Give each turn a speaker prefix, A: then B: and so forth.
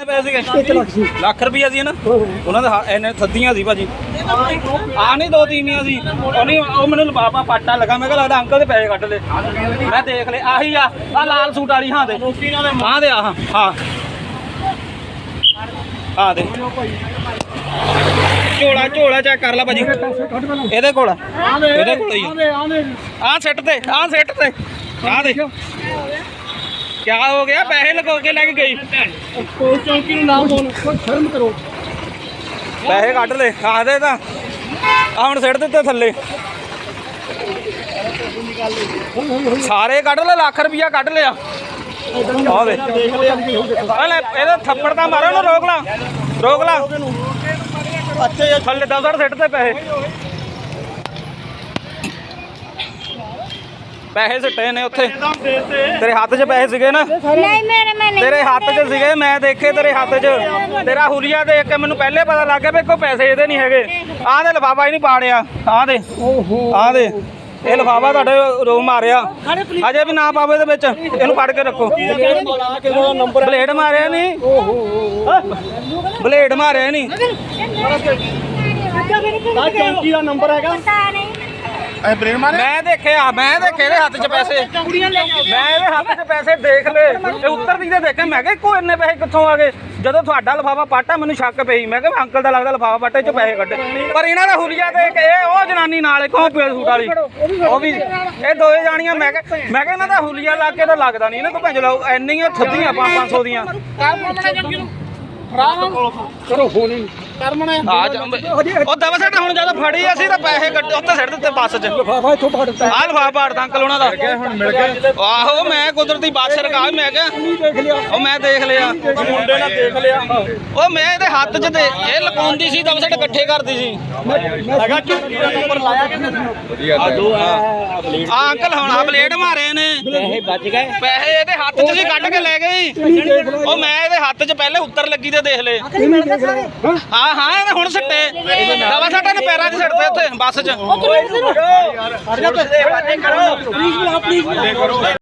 A: ਲੱਖ ਰੁਪਈਆ ਸੀ ਨਾ ਉਹਨਾਂ ਦਾ ਇਹਨੇ ਥੱਦੀਆਂ ਸੀ ਭਾਜੀ ਆ ਨਹੀਂ ਦੋ ਤੀਵੀਆਂ ਸੀ ਉਹ ਮੈਨੂੰ ਲਫਾਫਾ ਪਾਟਾ ਲੱਗਾ ਮੈਂ ਕਿਹਾ ਲੱਗਦਾ ਅੰਕਲ ਦੇ ਪੈਸੇ ਕੱਢ ਲਏ ਮੈਂ ਦੇਖ ਲਏ ਆਹੀ ਆ ਲਾਲ ਸੂਟ ਵਾਲੀ ਹਾਂ ਦੇ ਆ ਹਾਂ ਆ ਦੇ ਝੋਲਾ ਚੈੱਕ ਕਰ ਲੈ ਭਾਜੀ ਇਹਦੇ ਕੋਲ ਹੀ ਆ ਸਿੱਟ ਤੇ ਆ ਦੇ क्या हो गया पैसे लगा के लेके गई चौकी नाम बोल शर्म करो पैसे कट ले आखदे तां हुण सिट दित्ते थल्ले सारे कट ले लाख रुपया कट लिया थप्पड़ तां मारो ना रोक ला थल्ले 10 सिट ते पैसे सिट्टे ने उत्थे तेरे हाथ च पैसे सीगे ना तेरे हाथ च सीगे मैं देखे तेरे हाथ च तेरा हुलिया देख के मैनू पहले पता लग गया भी कोई पैसे ये नहीं है आ दे लिफाफा ही नहीं पाड़िया आ दे ये लिफाफा तुहाडे रो मारिया अजे भी ना पावे दे विच इहनू फड़ के रखो ब्लेड मारिया नहीं चौकी दा नंबर हैगा मैं देखे ਇਹਦੇ ਹੱਥ 'ਚ ਪੈਸੇ मैं ਇਹਦੇ ਹੱਥ 'ਚ ਪੈਸੇ ਦੇਖ ਲਏ ਤੇ ਉੱਤਰਦੀ ਦੇ ਦੇਖੇ ਮੈਂ ਕਿਹਾ ਕੋਈ ਇੰਨੇ ਪੈਸੇ ਕਿੱਥੋਂ ਆ ਗਏ ਜਦੋਂ ਤੁਹਾਡਾ ਲਿਫਾਫਾ ਪਾਟਾ ਮੈਨੂੰ ਸ਼ੱਕ ਪਈ ਮੈਂ ਕਿਹਾ ਅੰਕਲ ਦਾ ਲੱਗਦਾ ਲਿਫਾਫਾ ਪਾਟੇ 'ਚ ਪੈਸੇ ਕੱਢੇ ਪਰ ਇਹਨਾਂ ਦਾ ਹੁਲੀਆ ਦੇਖ ਇਹ ਉਹ ਜਨਾਨੀ ਨਾਲ ਕੌਣ ਪੇੜ ਸੂਟ ਵਾਲੀ ਉਹ ਵੀ ਇਹ ਦੋਏ ਜਾਣੀਆਂ ਮੈਂ ਕਿਹਾ ਇਹਨਾਂ ਦਾ ਹੁਲੀਆ ਲਾ ਕੇ ਤਾਂ ਲੱਗਦਾ ਨਹੀਂ ਇਹਨਾਂ ਤੋਂ ਭੰਜ ਲਾਓ ਇੰਨੀਆਂ ਥੱਦੀਆਂ 500 ਦੀਆਂ ਕਰੋ ਫੋਨ ਆ ਦਵਾ ਸਾਡਾ ਹੁਣ ਜਦੋਂ ਫੜੀ ਅਸੀਂ ਤਾਂ ਪੈਸੇ ਕੱਢੇ ਉੱਥੇ ਸਿੱਟ ਦਿੱਤੇ ਬੱਸ 'ਚ ਲਿਫਾਫਾ ਇੱਥੋਂ ਫੜਦਾ ਆ ਲਿਫਾਫਾ ਫੜਦਾ ਅੰਕਲ ਉਹਨਾਂ ਦਾ ਹੁਣ ਮਿਲ ਗਿਆ ਆਹੋ ਮੈਂ ਕੁਦਰਤੀ ਬੱਸ ਰਕਾ ਮੈਂ ਕਿਹਾ ਉਹ ਮੈਂ ਦੇਖ ਲਿਆ ਮੁੰਡੇ ਨਾਲ ਦੇਖ ਲਿਆ ਉਹ ਮੈਂ ਇਹਦੇ ਹੱਥ 'ਚ ਤੇ ਇਹ ਲਕਾਉਂਦੀ ਸੀ ਦਵਾ ਸਾਡੇ ਇਕੱਠੇ ਕਰਦੀ ਸੀ ਹੈਗਾ ਚੌਕੀ ਦਾ ਨੰਬਰ ਲਾਇਆ ਆ ਅੰਕਲ ਹੁਣ ਆ ਬਲੇਡ ਮਾਰੇ ਨੇ ਪੈਸੇ ਬਚ ਗਏ ਪੈਸੇ ਇਹਦੇ ਹੱਥ 'ਚ ਸੀ ਕੱਢ ਕੇ ਲੈ ਗਈ ਉਹ ਮੈਂ ਇਹਦੇ ਹੱਥ 'ਚ ਪਹਿਲੇ ਉੱਤਰ ਲੱਗੀ ਤੇ ਦੇਖ ਲਏ ਹਾਂ ਇਹਨੇ ਹੁਣ ਸਿੱਟੇ ਦਵਾ ਸਾਡਾ ਨੇ ਪੈਰਾਂ 'ਚ ਸਿੱਟਦੇ ਉੱਥੇ ਬੱਸ 'ਚ